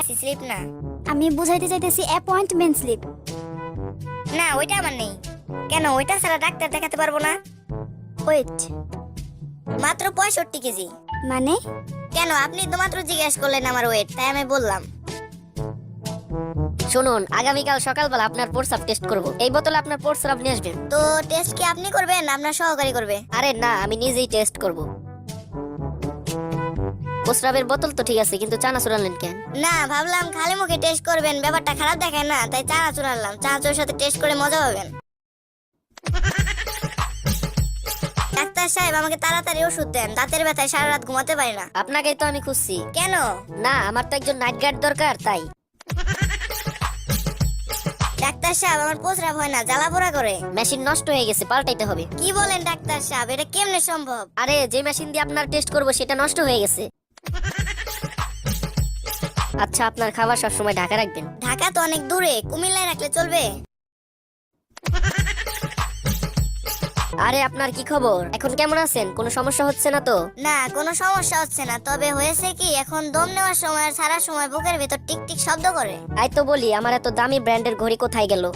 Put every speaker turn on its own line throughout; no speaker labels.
চাইছি, স্লিপ না।
আমি বুঝাইতে চাইতেছি অ্যাপয়েন্টমেন্ট স্লিপ।
না, ওইটা আমার নেই। কেন, ওইটা ছাড়া ডাক্তার দেখাতে পারবো না?
ওয়েট,
মাত্র 65 কেজি।
মানে?
কেন, আপনি তো মাত্র জিজ্ঞেস করলেন আমার ওয়েট, তাই আমি বললাম।
শুনুন, আগামীকাল সকালবেলা আপনার প্রস্রাব টেস্ট করব। এই বোতলে আপনার প্রস্রাব নিয়ে আসবেন।
তো টেস্ট কি আপনি করবেন না আপনার সহকারী করবে?
আরে না, আমি নিজেই টেস্ট করব। প্রস্রাবের বোতল তো ঠিক আছে, কিন্তু চানাচুর আনলেন কেন?
না, ভাবলাম খালি মুখে টেস্ট করবেন, ব্যাপারটা খারাপ দেখায় না, তাই চানাচুর আনলাম। চানাচুরের সাথে টেস্ট করে মজা পাবেন। ডাক্তার সাহেব, আমাকে তাড়াতাড়ি ওষুধ দেন, দাঁতের ব্যথায় সারা রাত ঘুমাতে পারি না।
আপনাকেই তো আমি খুঁজছি।
কেন?
না, আমার তো একজন নাইট গার্ড দরকার, তাই।
ডাক্তার সাহেব, আমার প্রস্রাব হয় না, জ্বালা পোড়া করে।
মেশিন নষ্ট হয়ে গেছে, পাল্টাইতে হবে।
কি বলেন ডাক্তার সাহেব, এটা কেমনে সম্ভব?
আরে, যে মেশিন দিয়ে আপনার টেস্ট করব সেটা নষ্ট হয়ে গেছে। আচ্ছা, আপনার খাবার সবসময় ঢাকা রাখবেন।
ঢাকা তো অনেক দূরে, কুমিল্লায় রাখলে চলবে?
আরে, আপনার কি খবর? এখন কেমন আছেন? কোনো সমস্যা হচ্ছে না তো?
না, কোনো সমস্যা হচ্ছে না, তবে হয়েছে কি, এখন দম নেওয়ার সময় আর সারা সময় বুকের ভিতর টিক টিক শব্দ করে।
তাই তো বলি, আমার এত দামি ব্র্যান্ডের ঘড়ি কোথায় গেল?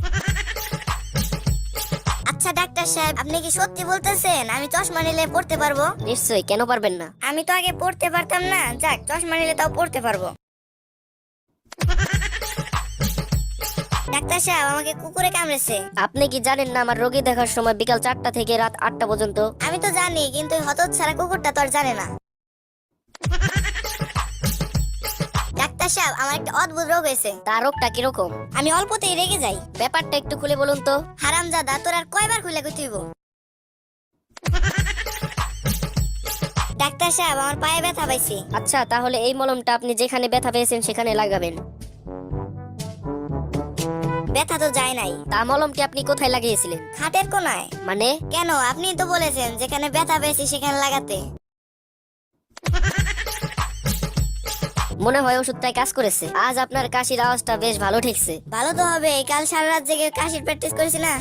আচ্ছা ডাক্তার সাহেব, আপনি কি সত্যি বলতেছেন আমি চশমা নিলে পড়তে পারবো?
নিশ্চয়ই, কেন পারবেন না?
আমি তো আগে পড়তে পারতাম না, যাক, চশমা নিলে তাও পড়তে পারবো। ডাক্তার সাহেব, আমাকে কুকুরে কামড়েছে।
আপনি কি জানেন না আমার রোগী দেখার সময় বিকাল 4টা থেকে রাত 8টা পর্যন্ত?
আমি তো জানি, কিন্তু হতচ্ছাড়া কুকুরটা তো আর জানে না। ডাক্তার সাহেব, আমার একটা অদ্ভুত রোগ হয়েছে।
তার রোগটা কিরকম?
আমি অল্পতেই রেগে যাই।
ব্যাপারটা একটু খুলে বলুন তো।
হারামজাদা, তোর আর কয়বার খুলে কইতেইব? ডাক্তার সাহেব, আমার পায়ে ব্যথা পাইছি।
আচ্ছা, তাহলে এই মলমটা আপনি যেখানে ব্যথা পেয়েছেন সেখানে লাগাবেন।
ব্যথা তো যায় নাই।
তা মলমটি আপনি কোথায় লাগিয়েছিলেন?
খাটের কোনায়।
মানে?
কেন, আপনি তো বলেছেন যেখানে ব্যথা পেয়েছি সেখানে লাগাতে।
মনে হয় ওষুধটাই কাজ করেছে। আজ আপনার কাশির আওয়াজটা বেশ ভালো ঠেকছে।
ভালো তো হবে, কাল সারা রাত জেগে কাশির প্র্যাকটিস করেছি না।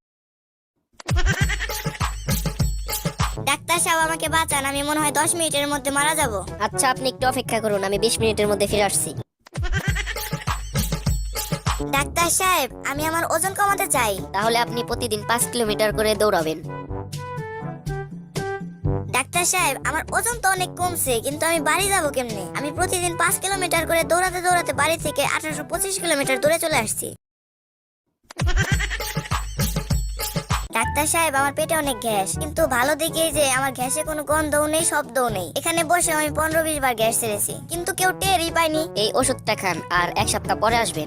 ডাক্তার সাহেব, আমাকে বাঁচান, আমি মনে হয় 10 মিনিটের মধ্যে মারা যাব।
আচ্ছা, আপনি একটু অপেক্ষা করুন, আমি 20 মিনিটের মধ্যে ফিরে আসছি।
ডাক্তার সাহেব, আমি আমার ওজন কমাতে চাই।
তাহলে আপনি প্রতিদিন 5 কিলোমিটার করে দৌড়াবেন।
ডাক্তার সাহেব, আমার ওজন তো অনেক কমছে, কিন্তু আমি বাড়ি যাব কেমনে? আমি প্রতিদিন 5 কিলোমিটার করে দৌড়াতে দৌড়াতে বাড়ি থেকে 1825 কিলোমিটার দূরে চলে আসছি। ডাক্তার সাহেব, আমার পেটে অনেক গ্যাস, কিন্তু ভালো দিকেই যে আমার গ্যাসে কোনো গন্ধও নেই, শব্দও নেই। এখানে বসে আমি 15-20 বার গ্যাস ছেড়েছি, কিন্তু কেউ টেরই পায়নি।
এই ওষুধটা খান, আর 1 সপ্তাহ পরে আসবেন।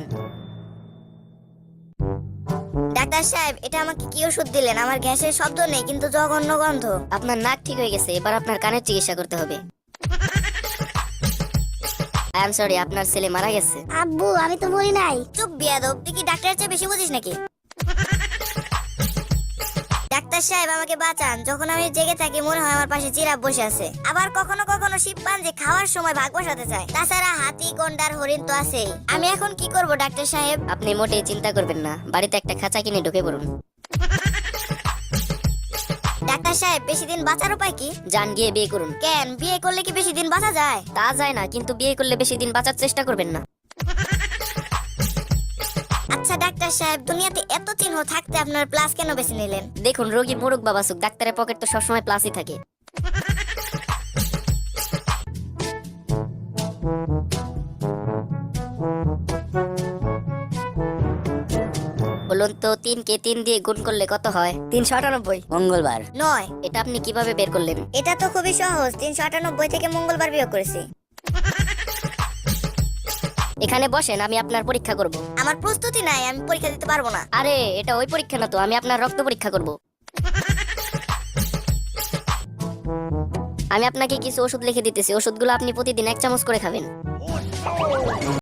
ডাক্তার সাহেব, এটা আমাকে কি ওষুধ দিলেন? আমার গ্যাসের শব্দ নেই, কিন্তু জঘন্য গন্ধ।
আপনার নাক ঠিক হয়ে গেছে, এবার আপনার কানের চিকিৎসা করতে হবে। আই এম সরি, আপনার ছেলে মারা গেছে।
আব্বু, আমি তো বলি নাই।
চুপ বিয়াদব, তুই কি ডাক্তারের চেয়ে বেশি বুঝিস নাকি? ডাক্তার সাহেব, আমাকে বাঁচান, যখন আমি জেগে থাকি মনে হয় আমার পাশে জিরাফ বসে আছে। আবার কখনো কখনো শিম্পাঞ্জি খাওয়ার সময় ভাগ বসাতে চায়। তাছাড়া হাতি, গন্ডার, হরিণ তো আছেই। আমি এখন কি করব ডাক্তার সাহেব?
আপনি মোটেই চিন্তা করবেন না, বাড়িতে একটা খাঁচা কিনে ঢুকে পড়ুন।
ডাক্তার সাহেব, বেশি দিন বাঁচার উপায় কি?
যান, গিয়ে বিয়ে করুন।
কেন, বিয়ে করলে কি বেশি দিন বাঁচা যায়?
তা যায় না, কিন্তু বিয়ে করলে বেশি দিন বাঁচার চেষ্টা করবেন না।
আচ্ছা ডাক্তার সাহেব, দুনিয়াতে এত চিহ্ন থাকতে আপনার প্লাস কেন বেছে নিলেন?
দেখুন, রোগী মোরগ বাবাসুক, ডাক্তারের পকেট তো সবসময় প্লাসই থাকে। বলুন তো, 3 কে 3 দিয়ে গুণ করলে কত হয়? 398।
মঙ্গলবার।
নয়।
এটা আপনি কিভাবে বের করলেন?
এটা তো খুবই সহজ, 398 থেকে মঙ্গলবার বিয়োগ করেছি।
এখানে বসেন, আমি আপনার পরীক্ষা করব।
আমার প্রস্তুতি নাই, আমি পরীক্ষা দিতে পারবো না।
আরে, এটা ওই পরীক্ষা না তো, আমি আপনার রক্ত পরীক্ষা করব। আমি আপনাকে কিছু ওষুধ লিখে দিতেছি, ওষুধগুলো আপনি প্রতিদিন 1 চামচ করে খাবেন।